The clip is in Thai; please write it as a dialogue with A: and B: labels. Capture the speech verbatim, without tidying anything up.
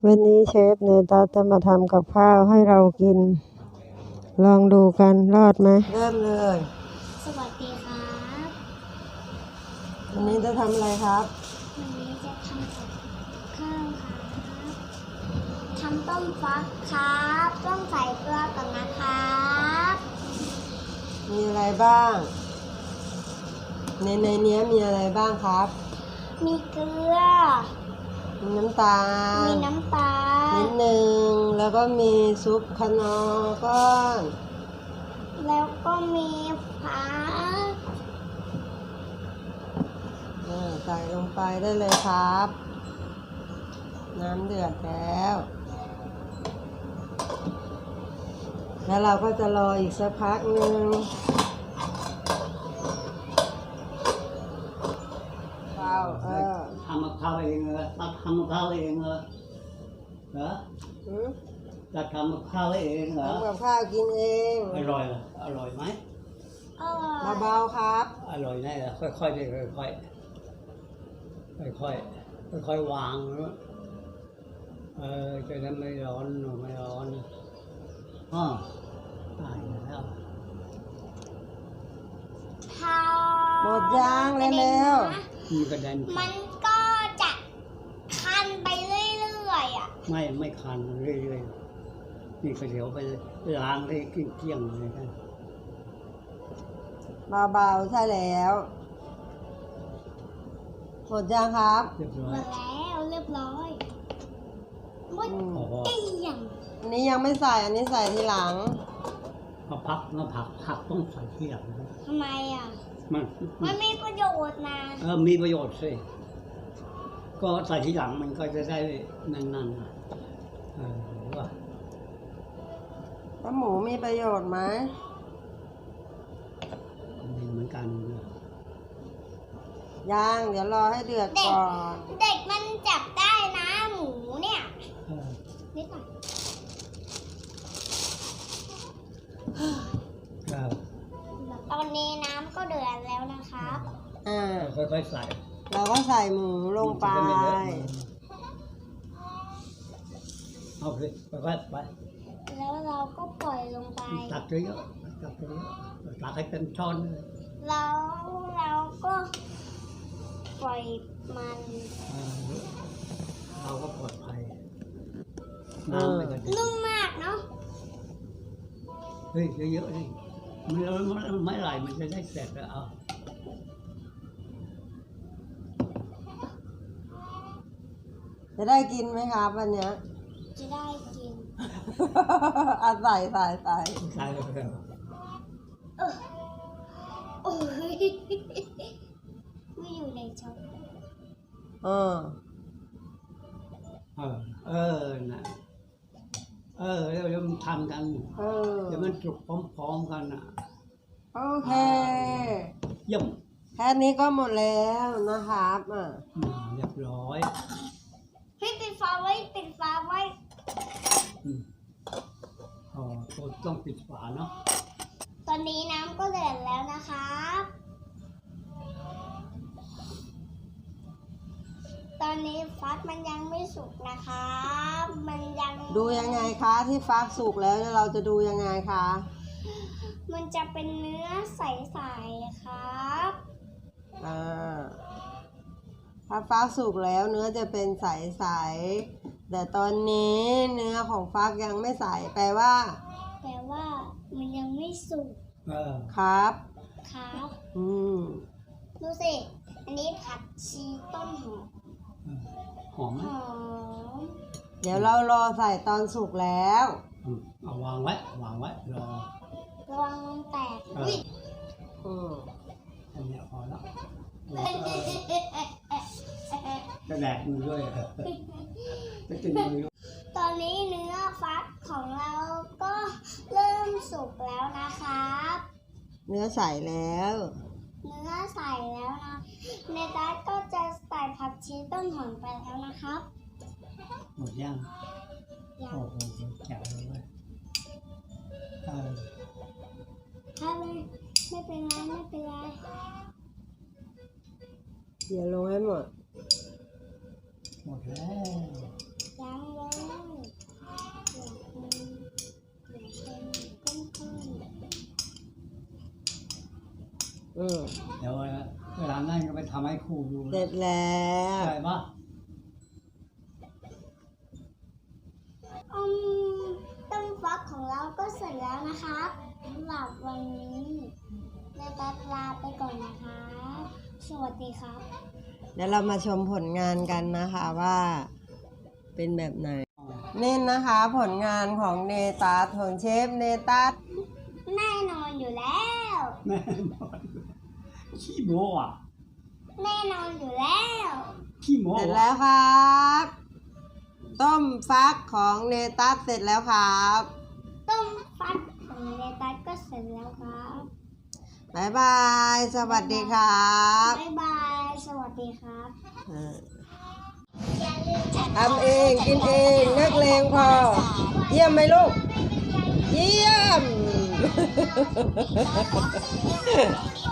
A: วันนี้เชฟเนตัสจะมาทำกับข้าวให้เรากินลองดูกันรอดไหมเริ่มเลย
B: สวัสดีครับ
A: วันนี้จะทำอะไรครับ
B: วันนี้จะทำกับข้าวครับทำต้มฟักครับต้องใส่เกลือก่อนนะครับ
A: มีอะไรบ้างในในนี้มีอะไรบ้างครับ
B: มีเกลือ
A: มีน้ำตาล
B: มีน้ำตาล
A: นิดนึงแล้วก็มีซุปคะนอร์ก้อน
B: แล้วก็มีผัก
A: ใส่ลงไปได้เลยครับน้ำเดือดแล้วแล้วเราก็จะรออีกสักพักหนึ่งข้าวเออ
C: ทำกับข้าวเองเหรอตัดทำกับข้าวเองเหรอเหรอตัดทำกับข้าวเองเหรอ
A: ทำกับข้าวกินเอง
C: อร่อยเหรออร่อยไหม
A: เบาๆครับ
C: อร่อยแน่เลยค่อยๆดิค่อยๆค่อยๆค่อยๆวางเออจะได้ไม่ร้อนไม่ร้อนอ๋อตายแล้ว
A: หมดยางเร็ว
C: ๆมีกระเด็น
B: มันก็จะคันไปเรื่อยๆอ่ะ
C: ไม่ไม่คันเรื่อยๆนี่ก็เดี๋ยวไปล้างให้เกลี้ยงๆเลยกัน
A: เบาๆใช่แล้วหมดยางครับ
C: เรียบร้อ
B: ยหมดแล้วเรียบร้อยหมดเกลี้ยง
A: อันนี้ยังไม่ใส่อันนี้ใส่ทีหลัง
C: มาพักมาผักผักต้องใส่ทีหลัง
B: ทำไมอ่ะ
C: มัน
B: มันมีประโยชน์นะ
C: เออมีประโยชน์สิก็ใส่ทีหลังมันก็จะได้นั่นๆนะเออว่า
A: แล้วหมูมีประโยชน์ไหม
C: มีเหมือนกัน
A: ย่างเดี๋ยวรอให้เดือดก่อน
B: เด็กมันจับได้นะหมูเนี่ยนิดหน่อยตอนนี้น้ำก็เดือดแล้วนะครับ
A: อ่า
C: ค่อยๆใส่
A: เราก็ใส่หมูลงไป
C: เอาไปค่อยๆไป
B: แล้วเราก็ปล่อยลงไป
C: ตักเยอะๆตักเยอะๆตักให้เต็มช้อนเลย
B: แล้วเราก็ปล่อยมัน
C: เราก็ปลอดภัยน้ำไม่กระเด็น
B: นุ่มมากเนาะ
C: เฮ้ยเยอะๆนี่มันไม่ไหลมันจะได้เสร็จแล้วเอา
A: จะได้กินไหมครับวันนี้
B: จะได้กิน
A: อาใส่ใส่ใส่
C: ใส่แล้ว
B: โอ้ยไม่อยู่ในช้อน
A: เออ
C: เออเออนะเออเดี๋ยวมันทำกัน
A: เออ
C: เดี๋ยวมันจุกพร้อมๆกันอ่ะ
A: โอเค
C: เยี่ยม
A: แค่นี้ก็หมดแล้วนะครับอ่ะ
C: เรียบร้อย
B: ให้ปิดฝาไว้ปิดฝาไว้
C: อ๋อต้องปิดฝาเนาะ
B: ตอนนี้น้ำก็เดือดแล้วนะครับตอนนี้ฟักมันยังไม่สุกนะครับมันยัง
A: ดูยังไงคะที่ฟักสุกแล้วเราจะดูยังไงคะ
B: มันจะเป็นเนื้อใสๆครับ
A: อ่าถ้าฟักสุกแล้วเนื้อจะเป็นใสๆแต่ตอนนี้เนื้อของฟักยังไม่ใสแปลว่า
B: แปลว่ามันยังไม่สุก
A: ครับ
B: ครับ
A: อืม
B: ดูสิอันนี้ผัดชีต้นหอม
C: หอมไหม
B: หอม
A: เดี๋ยวเรารอใส่ตอนสุกแล้ว
C: เอาวางไว้วางไว้รอ
B: ระวังมันแตกอุ้ย
A: อืม
C: อันนี้พอแล้วจะแดกมือด้วยจะกินมือ
B: ตอนนี้เนื้อฟักของเราก็เริ่มสุกแล้วนะครับ
A: เนื้อใสแล้ว
B: เนื้อใส่แล้วนะในตัสก็จะใส่ผักชีต้นหอมไปแล้วนะครับ
C: หมดยัง
B: ยัง
C: โอ้โหแจ๋วเลยเออ
B: ถ้าไม่ไม่เป็นไรไม่เป็นไร
A: เดี๋ยวลงให้หมด
C: หมดแล้ว
B: ยังเลย
A: อืม
C: เดี๋ยวเวลานั่นก็ไปทำให้ครูดู
A: เสร็จแล้ว
C: ใช่ปะ
B: อืมต้มฟักของเราก็เสร็จแล้วนะครับสำหรับวันนี้เนตัสลาไปก่อนนะครับสวัสดีครับ
A: เดี๋ยวเรามาชมผลงานกันนะคะว่าเป็นแบบไหนนี่นะคะผลงานของเนตัสของเชฟเนตัส
B: แน่นอนอยู่แล้ว
C: แน่นอนขี้โม้อะ
B: แน่นอนอยู่แล้ว
C: ขี้โม้
A: เสร็จแล้วครับ ต้มฟักของเนตัสเสร็จแล้วครับ
B: ต้มฟักของเนตัสก็เสร็จแล้วครับ
A: บ๊ายบายสวัสดีครับ
B: บ๊ายบาย สวัสดีครับ
A: อ่า
B: อย่าลืม
A: ทำเองกินเองนักเลงพอ เยี่ยมไหมลูก เยี่ยม